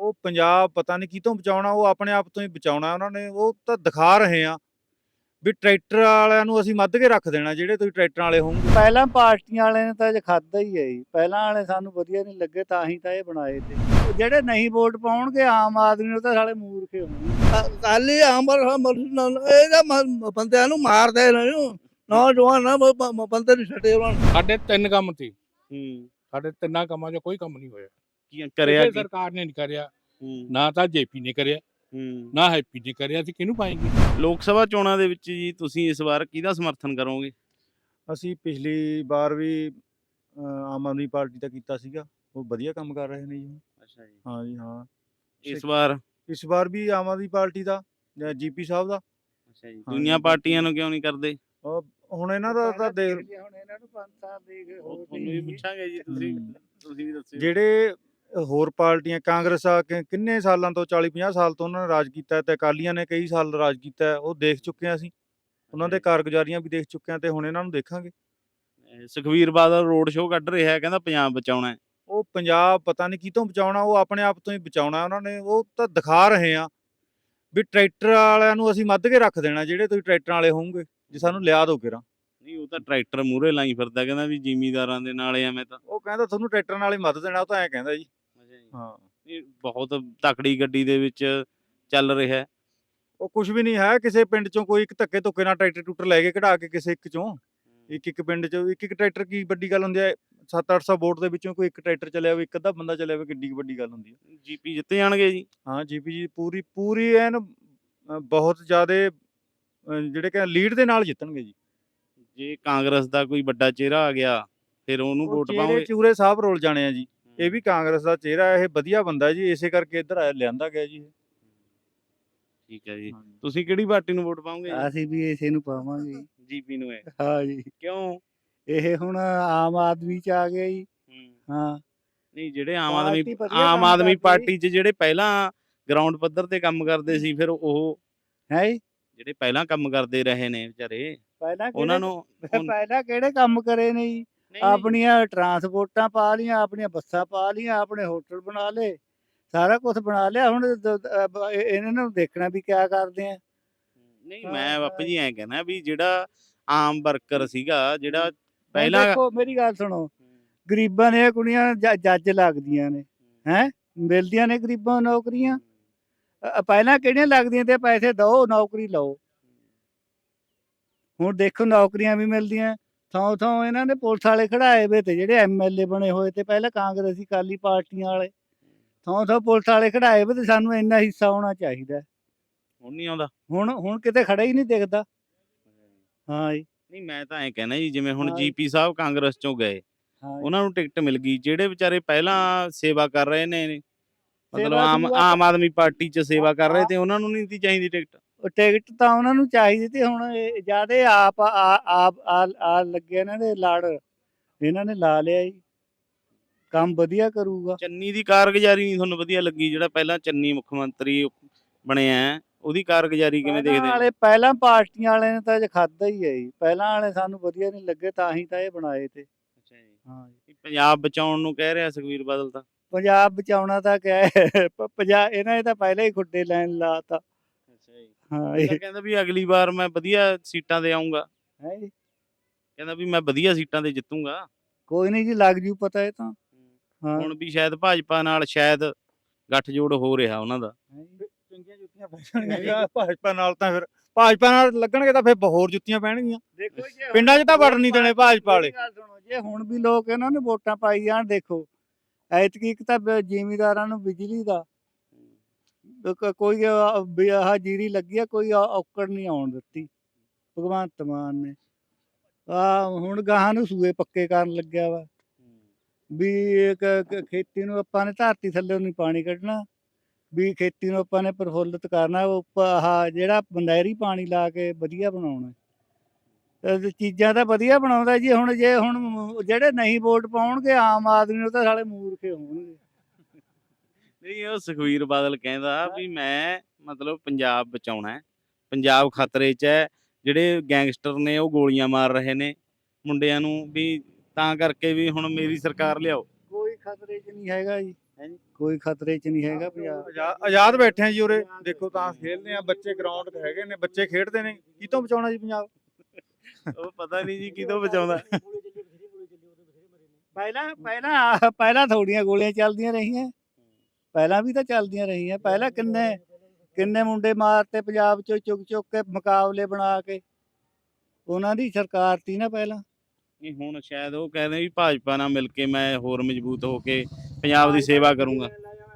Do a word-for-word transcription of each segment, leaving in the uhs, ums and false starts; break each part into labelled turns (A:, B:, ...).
A: ਉਹ ਪੰਜਾਬ ਪਤਾ ਨਹੀਂ ਕਿਤੋਂ ਬਚਾਉਣਾ, ਉਹ ਆਪਣੇ ਆਪ ਤੋਂ ਹੀ ਬਚਾਉਣਾ ਉਹਨਾਂ ਨੇ। ਉਹ ਤਾਂ ਦਿਖਾ ਰਹੇ ਆ ਵੀ ਟਰੈਕਟਰ ਵਾਲਿਆਂ ਨੂੰ ਅਸੀਂ ਮੱਧ ਕੇ ਰੱਖ ਦੇਣਾ, ਜਿਹੜੇ ਤੁਸੀਂ ਟਰੈਕਟਰਾਂ ਵਾਲੇ ਹੋਣਗੇ।
B: ਪਹਿਲਾਂ ਪਾਰਟੀਆਂ ਵਾਲਿਆਂ ਨੇ ਤਾਂ ਜੇ ਖਾਦਾ ਹੀ ਹੈ ਜੀ, ਪਹਿਲਾਂ ਵਾਲੇ ਸਾਨੂੰ ਵਧੀਆ ਨਹੀਂ ਲੱਗੇ ਤਾਂ ਹੀ ਤਾਂ ਇਹ ਬਣਾਏ ਤੇ। ਉਹ ਜਿਹੜੇ ਨਹੀਂ ਵੋਟ ਪਾਉਣਗੇ ਆਮ ਆਦਮੀ ਨੂੰ ਤਾਂ ਸਾਲੇ ਮੂਰਖੇ ਹੋਣਗੇ।
C: ਕਾਲੀ ਆਮਰ ਇਹਦਾ ਬੰਦਿਆਂ ਨੂੰ ਮਾਰਦੇ ਨੇ ਨੌਜਵਾਨ ਨਾ ਬੰਦੇ ਨੂੰ ਛੱਡੇ ਉਹਨਾਂ ਨੂੰ।
D: ਸਾਡੇ ਤਿੰਨ ਕੰਮ ਸੀ,
E: ਹੂੰ
D: ਸਾਡੇ ਤਿੰਨਾਂ ਕੰਮਾਂ 'ਚ ਕੋਈ ਕੰਮ ਨਹੀਂ ਹੋਇਆ।
E: ਕੀ ਕਰਿਆ
D: ਕਿਸੇ
E: ਕੀ
D: ਸਰਕਾਰ ਨੇ ਨਹੀਂ ਕਰਿਆ,
E: ਹੂੰ
D: ਨਾ ਤਾਂ ਜੇਪੀ ਨੇ ਕਰਿਆ,
E: ਹੂੰ
D: ਨਾ ਹੈਪੀ ਨੇ ਕਰਿਆ। ਅਸੀਂ ਕਿਹਨੂੰ ਪਾਏਂਗੇ?
E: ਲੋਕ ਸਭਾ ਚੋਣਾਂ ਦੇ ਵਿੱਚ ਜੀ ਤੁਸੀਂ ਇਸ ਵਾਰ ਕਿਹਦਾ ਸਮਰਥਨ ਕਰੋਗੇ?
A: ਅਸੀਂ ਪਿਛਲੀ ਵਾਰ ਵੀ ਅ, ਆਮ ਆਦਮੀ ਪਾਰਟੀ ਦਾ ਕੀਤਾ ਸੀਗਾ, ਉਹ ਵਧੀਆ ਕੰਮ ਕਰ ਰਹੇ ਨੇ ਜੀ।
E: ਅੱਛਾ ਜੀ।
A: ਹਾਂ ਜੀ ਹਾਂ।
E: ਇਸ ਵਾਰ
A: ਇਸ ਵਾਰ ਵੀ ਆਮ ਆਦਮੀ ਪਾਰਟੀ ਦਾ ਜਾਂ ਜੀਪੀ ਸਾਹਿਬ ਦਾ।
E: ਅੱਛਾ ਜੀ,
A: ਹਾਂ
E: ਦੂਜੀਆਂ
A: ਜੀ,
E: ਪਾਰਟੀਆਂ ਨੂੰ ਕਿਉਂ ਨਹੀਂ ਕਰਦੇ?
A: ਉਹ ਹੁਣ ਇਹਨਾਂ ਦਾ ਤਾਂ ਦੇਖ,
B: ਹੁਣ ਇਹਨਾਂ ਨੂੰ ਪੰਜ ਸਾਲ ਦੇ ਗਏ
E: ਉਹ
B: ਹੋਰ
E: ਤੁਹਾਨੂੰ ਵੀ
B: ਵੀ।
E: ਪੁੱਛਾਂਗੇ ਜੀ, ਤੁਸੀਂ
A: ਹੂੰ।
E: ਤੁਸੀਂ ਵੀ ਦੱਸਿਓ।
A: ਜਿਹੜੇ ਹੋਰ ਪਾਰਟੀਆਂ, ਕਾਂਗਰਸ ਆ ਕਿ ਕਿੰਨੇ ਸਾਲਾਂ ਤੋਂ ਚਾਲੀ ਪੰਜਾਹ ਸਾਲ ਤੋਂ ਉਹਨਾਂ ਨੇ ਰਾਜ ਕੀਤਾ ਹੈ, ਤੇ ਅਕਾਲੀਆਂ ਨੇ ਕਈ ਸਾਲ ਰਾਜ ਕੀਤਾ ਹੈ, ਉਹ ਦੇਖ ਚੁੱਕੇ ਹਾਂ ਅਸੀਂ। ਉਹਨਾਂ ਦੇ ਕਾਰਗੁਜ਼ਾਰੀਆਂ ਵੀ ਦੇਖ ਚੁੱਕੇ ਹਾਂ, ਤੇ ਹੁਣ ਇਹਨਾਂ ਨੂੰ ਦੇਖਾਂਗੇ।
E: ਅਹ ਸੁਖਬੀਰ ਬਾਦਲ ਰੋਡ ਸ਼ੋਅ ਕੱਢ ਰਿਹਾ ਹੈ, ਕਹਿੰਦਾ ਪੰਜਾਬ ਬਚਾਉਣਾ ਹੈ।
A: ਉਹ ਪੰਜਾਬ ਪਤਾ ਨਹੀਂ ਕਿਤੋਂ ਬਚਾਉਣਾ, ਉਹ ਆਪਣੇ ਆਪ ਤੋਂ ਹੀ ਬਚਾਉਣਾ ਉਹਨਾਂ ਨੇ। ਉਹ ਤਾਂ ਦਿਖਾ ਰਹੇ ਆ ਵੀ ਟਰੈਕਟਰ ਵਾਲਿਆਂ ਨੂੰ ਅਸੀਂ ਮੱਧ ਕੇ ਰੱਖ ਦੇਣਾ, ਜਿਹੜੇ ਤੁਸੀਂ ਟਰੈਕਟਰਾਂ ਵਾਲੇ ਹੋਣਗੇ, ਜੇ ਸਾਨੂੰ ਲਿਆ ਦੋ ਕਿਰਾਂ।
E: ਨਹੀਂ, ਉਹ ਤਾਂ ਟਰੈਕਟਰ ਮੂਹਰੇ ਲਾਈ ਫਿਰਦਾ, ਕਹਿੰਦਾ ਵੀ ਜ਼ਿਮੀਂਦਾਰਾਂ ਦੇ ਨਾਲ ਐਵੇਂ ਤਾਂ।
A: ਉਹ ਕਹਿੰਦਾ ਤੁਹਾਨੂੰ ਟਰੈਕਟਰਾਂ ਨਾਲ ਹੀ ਮੱਧ ਦੇਣਾ, ਉਹ ਤਾਂ ਐਂ ਕਹਿੰਦਾ ਜੀ। ਹਾਂ,
E: ਇਹ ਬਹੁਤ ਤਕੜੀ ਗੱਡੀ ਦੇ ਵਿੱਚ ਚੱਲ ਰਿਹਾ ਹੈ।
A: ਉਹ ਕੁਝ ਵੀ ਨਹੀਂ ਹੈ। ਕਿਸੇ ਪਿੰਡ ਚੋਂ ਕੋਈ ਇੱਕ ਧੱਕੇ ਧੁੱਕੇ ਨਾਲ ਟਰੈਕਟਰ ਟੂਟਰ ਲੈ ਕੇ ਕਢਾ ਕੇ ਕਿਸੇ ਇੱਕ ਚੋਂ, ਇੱਕ ਇੱਕ ਪਿੰਡ ਚੋਂ ਇੱਕ ਇੱਕ ਟਰੈਕਟਰ, ਕੀ ਵੱਡੀ ਗੱਲ ਹੁੰਦੀ ਹੈ? ਸੱਤ ਅੱਠ ਸੌ ਵੋਟ ਦੇ ਵਿੱਚੋਂ ਕੋਈ ਇੱਕ ਟਰੈਕਟਰ ਚੱਲਿਆ ਹੋਵੇ, ਇੱਕ ਅੱਧਾ ਬੰਦਾ ਚੱਲਿਆ ਹੋਵੇ, ਕਿੱਡੀ ਕੁ ਵੱਡੀ ਗੱਲ ਹੁੰਦੀ ਹੈ।
E: ਜੀਪੀ ਜਿੱਤ ਜਾਣਗੇ ਜੀ।
A: ਹਾਂ, ਜੀਪੀ ਜੀ ਪੂਰੀ ਪੂਰੀ ਐਨ ਅ, ਬਹੁਤ ਜ਼ਿਆਦਾ ਜਿਹੜੇ ਕਿ ਲੀਡ ਦੇ ਨਾਲ ਜਿੱਤਣਗੇ ਜੀ।
E: ਜੇ ਕਾਂਗਰਸ ਦਾ ਕੋਈ ਵੱਡਾ ਚਿਹਰਾ ਆ ਗਿਆ ਫਿਰ ਉਹਨੂੰ
A: ਉਹ
E: ਵੋਟ
A: ਚਿਹਰੇ
E: ਪਾਓਗੇ?
A: ਚੂਰੇ ਸਾਹਿਬ ਰੋਲ ਜਾਣੇ ਆ ਜੀ। ਇਹ ਵੀ ਕਾਂਗਰਸ ਦਾ ਚਿਹਰਾ ਹੈ, ਇਹ ਵਧੀਆ ਬੰਦਾ ਜੀ, ਇਸੇ ਕਰਕੇ ਇੱਧਰ ਆਇਆ ਲਿਆਂਦਾ ਗਿਆ ਜੀ ਇਹ।
E: ਠੀਕ ਹੈ ਜੀ।
A: ਹਾਂਜੀ।
E: ਤੁਸੀਂ ਕਿਹੜੀ ਪਾਰਟੀ ਨੂੰ ਵੋਟ ਪਾਓਗੇ ਜੀ?
B: ਅਸੀਂ ਵੀ ਇਸੇ ਨੂੰ ਪਾਵਾਂਗੇ।
E: ਜੀਪੀ ਨੂੰ ਹੈ?
B: ਹਾਂ ਜੀ,
E: ਕਿਉਂ?
B: ਇਹ ਹੁਣ ਆਮ ਆਦਮੀ ਚ ਆ ਗਿਆ ਜੀ।
E: ਹੂੰ।
B: ਹਾਂ,
E: ਨਹੀਂ, ਜਿਹੜੇ ਆਮ ਆਦਮੀ
B: ਪਾਰਟੀ ਵਧੀਆ
E: ਆਮ
B: ਕੰਮ
E: ਆਦਮੀ
B: ਕਰਦੀ।
E: ਪਾਰਟੀ 'ਚ ਜਿਹੜੇ ਪਹਿਲਾਂ ਗਰਾਊਂਡ ਪੱਧਰ ਤੇ ਕੰਮ ਕਰਦੇ ਸੀ, ਫਿਰ ਉਹ
B: ਹੈ ਜੀ।
E: ਜਿਹੜੇ ਪਹਿਲਾਂ ਕੰਮ ਕਰਦੇ ਰਹੇ ਨੇ ਵਿਚਾਰੇ,
B: ਪਹਿਲਾਂ
E: ਉਹਨਾਂ
B: ਕਿਹੜੇ
E: ਨੂੰ ਉਨ-
B: ਪਹਿਲਾਂ ਕਿਹੜੇ ਕੰਮ ਕਰੇ ਨੇ ਜੀ?
E: ਨਹੀਂ,
B: ਆਪਣੀਆਂ ਟਰਾਂਸਪੋਰਟਾਂ ਪਾ ਲੀਆਂ, ਆਪਣੀਆਂ ਬੱਸਾਂ ਪਾ ਲੀਆਂ, ਆਪਣੇ ਹੋਟਲ ਬਣਾ ਲਏ, ਸਾਰਾ ਕੁਝ ਬਣਾ ਲਿਆ। ਹੁਣ ਦ- ਦ- ਅ ਬ- ਇਹ- ਇਹਨਾਂ ਨੂੰ ਦੇਖਣਾ ਵੀ ਕਿਆ ਕਰਦੇ ਆ।
E: ਨਹੀਂ,
B: ਹਾਂ,
E: ਮੈਂ ਬਾਪੂ
B: ਹਾਂ।
E: ਜੀ ਐਂ ਕਹਿਣਾ ਵੀ ਜਿਹੜਾ ਆਮ ਵਰਕਰ ਸੀਗਾ, ਜਿਹੜਾ
B: ਹੁਣ
E: ਪਹਿਲਾਂ
B: ਦੇਖੋ ਮੇਰੀ ਗੱਲ ਸੁਣੋ, ਗਰੀਬਾਂ ਦੀਆਂ ਕੁੜੀਆਂ ਜ- ਜੱਜ ਲੱਗਦੀਆਂ ਨੇ, ਹੈ ਮਿਲਦੀਆਂ ਨੇ ਗਰੀਬਾਂ ਨੂੰ ਨੌਕਰੀਆਂ। ਅ- ਪਹਿਲਾਂ ਕਿਹੜੀਆਂ ਲੱਗਦੀਆਂ ਤੇ ਪੈਸੇ ਦਓ ਨੌਕਰੀ ਲਓ। ਹੁਣ ਦੇਖੋ ਨੌਕਰੀਆਂ ਵੀ ਮਿਲਦੀਆਂ। ਥਾਂ ਥਾਂ ਇਹਨਾਂ ਨੇ ਪੁਲਿਸ ਵਾਲੇ ਖੜਾਏ ਵੇ ਤੇ ਜਿਹੜੇ ਐਮਐਲਏ ਬਣੇ ਹੋਏ ਤੇ ਪਹਿਲਾਂ ਕਾਂਗਰਸੀ ਅਕਾਲੀ ਪਾਰਟੀਆਂ ਵਾਲੇ, ਥਾਂ ਥਾਂ ਪੁਲਿਸ ਵਾਲੇ ਖੜਾਏ ਵੇ ਤੇ ਸਾਨੂੰ ਇੰਨਾ ਹਿੱਸਾ ਹੋਣਾ ਚਾਹੀਦਾ।
E: ਹੁਣ ਨਹੀਂ ਆਉਂਦਾ।
B: ਹੁਣ ਹੁਣ ਕਿਤੇ ਖੜਾ ਹੀ ਨਹੀਂ ਦਿਖਦਾ। ਹਾਂ ਜੀ,
E: ਨਹੀਂ, ਮੈਂ ਤਾਂ ਐਂ ਕਹਿਣਾ ਜੀ, ਜਿਵੇਂ ਹੁਣ
B: ਹਾਂ।
E: ਜੀਪੀ ਸਾਹਿਬ ਕਾਂਗਰਸ ਚੋਂ ਗਏ,
B: ਹਾਂ ਜੀ।
E: ਉਹਨਾਂ ਨੂੰ ਟਿਕਟ ਮਿਲ ਗਈ, ਜਿਹੜੇ ਵਿਚਾਰੇ ਪਹਿਲਾਂ ਸੇਵਾ ਕਰ ਰਹੇ ਨੇ, ਮਤਲਬ
B: ਸੇਵਾ
E: ਆਮ
B: ਸੂਵਾ
E: ਆਮ ਆਦਮੀ ਪਾਰਟੀ 'ਚ ਸੇਵਾ ਕਰ ਰਹੇ ਤੇ ਉਹਨਾਂ ਨੂੰ ਨਹੀਂ ਸੀ ਚਾਹੀਦੀ ਟਿਕਟ?
B: ਉਹ ਟਿਕਟ ਤਾਂ ਉਹਨਾਂ ਨੂੰ ਚਾਹੀਦੀ ਤੇ ਹੁਣ ਜਿਆਦੇ ਆਪ ਆ- ਆਪ ਆ ਆ ਲੱਗੇ ਇਹਨਾਂ ਦੇ ਲੜ, ਇਹਨਾਂ ਨੇ ਲਾ ਲਿਆ ਜੀ। ਕੰਮ ਵਧੀਆ ਕਰੂਗਾ।
E: ਚੰਨੀ ਦੀ ਕਾਰਗੁਜ਼ਾਰੀ ਨਹੀਂ ਤੁਹਾਨੂੰ ਵਧੀਆ ਲੱਗੀ? ਜਿਹੜਾ ਪਹਿਲਾਂ ਚੰਨੀ ਮੁੱਖ ਮੰਤਰੀ ਬਣਿਆ ਹੈ, ਉਹਦੀ ਕਾਰਗੁਜ਼ਾਰੀ ਕਿਵੇਂ
B: ਪਹਿਲਾਂ
E: ਦੇਖਦੇ ਹੋ?
B: ਵਾਲੇ ਪਹਿਲਾਂ ਪਾਰਟੀਆਂ ਵਾਲੇ ਨੇ ਤਾਂ ਜੇ ਖਾਦਾ ਹੀ ਹੈ ਜੀ। ਪਹਿਲਾਂ ਵਾਲੇ ਸਾਨੂੰ ਵਧੀਆ ਨਹੀਂ ਲੱਗੇ ਤਾਂ ਹੀ ਤਾਂ ਇਹ ਬਣਾਏ ਤੇ।
E: ਅੱਛਾ ਜੀ।
B: ਹਾਂ ਜੀ,
E: ਪੰਜਾਬ ਬਚਾਉਣ ਨੂੰ ਕਹਿ ਰਿਹਾ ਸੁਖਬੀਰ ਬਾਦਲ ਤਾਂ।
B: ਪੰਜਾਬ ਬਚਾਉਣਾ ਤਾਂ ਕਿਆ ਹੈ, ਪ- ਪੰਜਾ ਇਹਨਾਂ ਨੇ ਤਾਂ ਪਹਿਲਾਂ ਹੀ ਖੁੱਡੇ ਲੈਣ ਲਾਤਾ।
E: ਅੱਛਾ ਜੀ।
B: ਹਾਂ
E: ਉਹ
B: ਇਹ
E: ਤਾਂ ਕਹਿੰਦਾ ਵੀ ਅਗਲੀ ਵਾਰ ਮੈਂ ਵਧੀਆ ਸੀਟਾਂ ਤੇ ਆਉਂਗਾ,
B: ਹੈ ਜੀ।
E: ਕਹਿੰਦਾ ਵੀ ਮੈਂ ਵਧੀਆ ਸੀਟਾਂ ਤੇ ਜਿੱਤੂੰਗਾ।
B: ਕੋਈ ਨਹੀਂ ਜੀ, ਲੱਗ ਜੂ ਪਤਾ ਇਹ ਤਾਂ। ਹਾਂ
E: ਹੁਣ ਵੀ ਸ਼ਾਇਦ ਭਾਜਪਾ ਨਾਲ ਸ਼ਾਇਦ ਗੱਠਜੋੜ ਹੋ ਰਿਹਾ ਉਹਨਾਂ ਦਾ।
B: ਹੈਂ ਜੀ।
A: ਚੰਗੀਆਂ ਜੁੱਤੀਆਂ ਪੈਣਗੀਆਂ ਭਾਜਪਾ ਨਾਲ, ਤਾਂ ਫਿਰ ਭਾਜਪਾ ਨਾਲ ਲੱਗਣਗੇ ਤਾਂ ਫਿਰ ਹੋਰ ਜੁੱਤੀਆਂ ਪੈਣਗੀਆਂ।
B: ਦੇਖੋ ਜੀ,
A: ਪਿੰਡਾਂ 'ਚ ਤਾਂ ਵੜਨ ਨਹੀਂ ਦੇਣੇ ਭਾਜਪਾ ਵਾਲੇ।
B: ਮੇਰੀ ਗੱਲ ਸੁਣੋ, ਜੇ ਹੁਣ ਵੀ ਲੋਕ ਇਹਨਾਂ ਨੂੰ ਵੋਟਾਂ ਪਾਈ ਜਾਣ, ਦੇਖੋ ਐਤਕੀ ਇੱਕ ਤਾਂ ਬ- ਜ਼ਿਮੀਂਦਾਰਾਂ ਨੂੰ ਬਿਜਲੀ ਦਾ ਕ- ਕੋਈ ਆ- ਵੀ ਆਹ ਜੀਰੀ ਲੱਗੀ ਆ, ਕੋਈ ਔ- ਔਕੜ ਨਹੀਂ ਆਉਣ ਦਿੱਤੀ ਭਗਵੰਤ ਮਾਨ ਨੇ। ਆ ਹੁਣ ਗਾਹਾਂ ਨੂੰ ਸੂਏ ਪੱਕੇ ਕਰਨ ਲੱਗਿਆ ਵਾ ਵੀ ਇੱਕ ਕ- ਖੇਤੀ ਨੂੰ ਆਪਾਂ ਨੇ ਧਰਤੀ ਥੱਲੇ ਨਹੀਂ ਪਾਣੀ ਕੱਢਣਾ, ਵੀ ਖੇਤੀ ਨੂੰ ਆਪਾਂ ਨੇ ਪ੍ਰਫੁੱਲਤ ਕਰਨਾ, ਉਹ ਆਹ ਜਿਹੜਾ ਨਹਿਰੀ ਪਾਣੀ ਲਾ ਕੇ ਵਧੀਆ ਬਣਾਉਣਾ। ਤੇ ਚੀਜ਼ਾਂ ਤਾਂ ਵਧੀਆ ਬਣਾਉਂਦਾ ਜੀ। ਹੁਣ ਜੇ ਹੁਣ ਜਿਹੜੇ ਨਹੀਂ ਵੋਟ ਪਾਉਣਗੇ ਆਮ ਆਦਮੀ ਨੂੰ ਤਾਂ ਸਾਲੇ ਮੂਰਖੇ ਹੋਣਗੇ।
E: ਨਹੀਂ, ਉਹ ਸੁਖਬੀਰ ਬਾਦਲ ਕਹਿੰਦਾ ਵੀ ਮੈਂ ਮਤਲਬ ਪੰਜਾਬ ਬਚਾਉਣਾ ਹੈ, ਪੰਜਾਬ ਖਤਰੇ 'ਚ ਹੈ, ਜਿਹੜੇ ਗੈਂਗਸਟਰ ਨੇ ਉਹ ਗੋਲੀਆਂ ਮਾਰ ਰਹੇ ਨੇ ਮੁੰਡਿਆਂ ਨੂੰ, ਵੀ ਤਾਂ ਕਰਕੇ ਵੀ ਹੁਣ ਮੇਰੀ ਸਰਕਾਰ ਲਿਆਓ।
B: ਕੋਈ ਖਤਰੇ 'ਚ ਨਹੀਂ ਹੈਗਾ ਜੀ। ਕੋਈ ਖਤਰੇ 'ਚ ਨਹੀਂ ਹੈਗਾ ਪੰਜਾਬ।
A: ਆਜ਼ਾ- ਆਜ਼ਾਦ ਬੈਠੇ ਆ ਜੀ ਉਰੇ, ਦੇਖੋ ਤਾਂ ਖੇਡਦੇ ਆ ਬੱਚੇ, ਗਰਾਊਂਡ ਤੇ ਹੈਗੇ ਨੇ, ਬੱਚੇ ਖੇਡਦੇ ਨੇ, ਕਿਤੋਂ ਬਚਾਉਣਾ ਜੀ ਪੰਜਾਬ?
E: ਉਹ ਪਤਾ ਨਹੀਂ ਜੀ ਕਿਦੋਂ ਬਚਾਉਂਦਾ।
B: ਪਹਿਲਾਂ ਪਹਿਲਾਂ ਪਹਿਲਾਂ ਥੋੜੀਆਂ ਗੋਲੀਆਂ ਚੱਲਦੀਆਂ ਰਹੀਆਂ, ਪਹਿਲਾਂ ਵੀ ਤਾਂ ਚੱਲਦੀਆਂ ਰਹੀਆਂ। ਪਹਿਲਾਂ ਕਿੰਨੇ ਕਿੰਨੇ ਮੁੰਡੇ ਮਾਰਤੇ ਪੰਜਾਬ 'ਚੋਂ ਚੁੱਕ ਚੁੱਕ ਕੇ, ਮੁਕਾਬਲੇ ਬਣਾ ਕੇ। ਉਹਨਾਂ ਦੀ ਸਰਕਾਰ ਤੀ ਨਾ ਪਹਿਲਾਂ।
E: ਨਹੀਂ ਹੁਣ ਸ਼ਾਇਦ ਉਹ ਕਹਿੰਦੇ ਵੀ ਭਾਜਪਾ ਨਾਲ ਮਿਲ ਕੇ ਮੈਂ ਹੋਰ ਮਜ਼ਬੂਤ ਹੋ ਕੇ ਪੰਜਾਬ ਦੀ ਸੇਵਾ ਕਰੂੰਗਾ।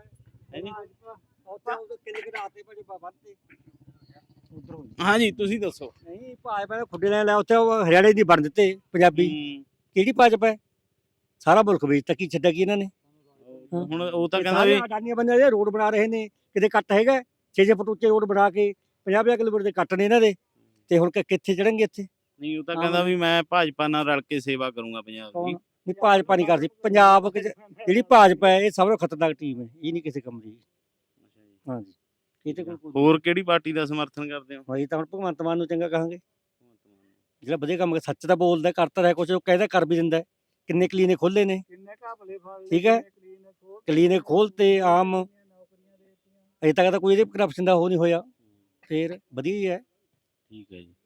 E: ਹਾਂਜੀ ਤੁਸੀਂ ਦੱਸੋ।
F: ਨਹੀਂ ਭਾਜਪਾ ਦੇ ਖੁੱਡੇ ਲੈ ਲਿਆ ਉੱਥੇ, ਉਹ ਹਰਿਆਣੇ ਦੀ ਬਣ ਦਿੱਤੇ ਪੰਜਾਬੀ।
E: ਹੂੰ,
F: ਕਿਹੜੀ ਭਾਜਪਾ ਹੈ? ਸਾਰਾ ਮੁਲਕ ਵੇਚਤਾ, ਕੀ ਛੱਡਿਆ ਕੀ ਇਹਨਾਂ ਨੇ? ਹਾਂ।
E: ਹੁਣ ਉਹ ਤਾਂ
F: ਇਹ
E: ਕਹਿੰਦਾ
F: ਸਾਰੇ
E: ਵੀ
F: ਅਡਾਨੀਆਂ ਬੰਦੇ ਜਿਹੜੇ ਰੋਡ ਬਣਾ ਰਹੇ ਨੇ, ਕਿਤੇ ਕੱਟ ਹੈਗਾ ਛੇ ਛੇ ਫੁੱਟ ਉੱਚੇ ਰੋਡ ਬਣਾ ਕੇ ਪੰਜਾਹ ਪੰਜਾਹ ਕਿਲੋਮੀਟਰ ਦੇ ਕੱਟ ਨੇ ਇਹਨਾਂ ਦੇ, ਤੇ ਹੁਣ ਕਿ- ਕਿੱਥੇ ਚੜਨਗੇ ਇੱਥੇ?
E: ਨਹੀਂ ਉਹ ਤਾਂ
F: ਹਾਂ।
E: ਕਹਿੰਦਾ ਵੀ ਮੈਂ ਭਾਜਪਾ ਨਾਲ ਰਲ ਕੇ ਸੇਵਾ ਕਰੂੰਗਾ ਪੰਜਾਬ ਦੀ।
F: ਕੌਣ? ਨਹੀਂ ਭਾਜਪਾ ਨਹੀਂ ਕਰਦੀ ਪੰਜਾਬ ਵਿੱਚ। ਜਿਹੜੀ ਭਾਜਪਾ ਹੈ ਇਹ ਸਭ ਤੋਂ ਖਤਰਨਾਕ ਟੀਮ ਹੈ, ਇਹ ਨਹੀਂ ਕਿਸੇ ਕੰਮ ਦੀ। ਹਾਂਜੀ, ਇਹ ਤੇ ਕੋਈ
E: ਹੋਰ ਕਿਹੜੀ ਪਾਰਟੀ ਦਾ ਸਮਰਥਨ ਕਰਦੇ ਹੋ?
F: ਹੋਈ ਤਾਂ ਹੁਣ ਭਗਵੰਤ ਮਾਨ ਨੂੰ ਚੰਗਾ ਕਹਾਂਗੇ, ਜਿਹੜਾ ਵਧੀਆ ਕੰਮ ਕਰ, ਸੱਚ ਤਾਂ ਬੋਲਦਾ, ਕਰਤਾ ਰਿਹਾ ਕੁਛ, ਉਹ ਕਹਿੰਦਾ ਕਰ ਵੀ ਦਿੰਦਾ। ਕਿੰਨੇ ਕਲੀਨਿਕ ਖੋਲੇ ਨੇ,
B: ਕਿੰਨੇ ਘਪਲੇ ਫੜ
F: ਠੀਕ ਹੈ। ਕਲੀਨਿਕ ਖੋਲ੍ਹਤੇ ਆਮ, ਅਜੇ ਤੱਕ ਤਾਂ ਕੋਈ ਇਹਦੇ ਕਰਪਸ਼ਨ ਦਾ ਉਹ ਨਹੀਂ ਹੋਇਆ, ਫੇਰ ਵਧੀਆ ਹੀ ਹੈ।
E: ਠੀਕ ਹੈ ਜੀ।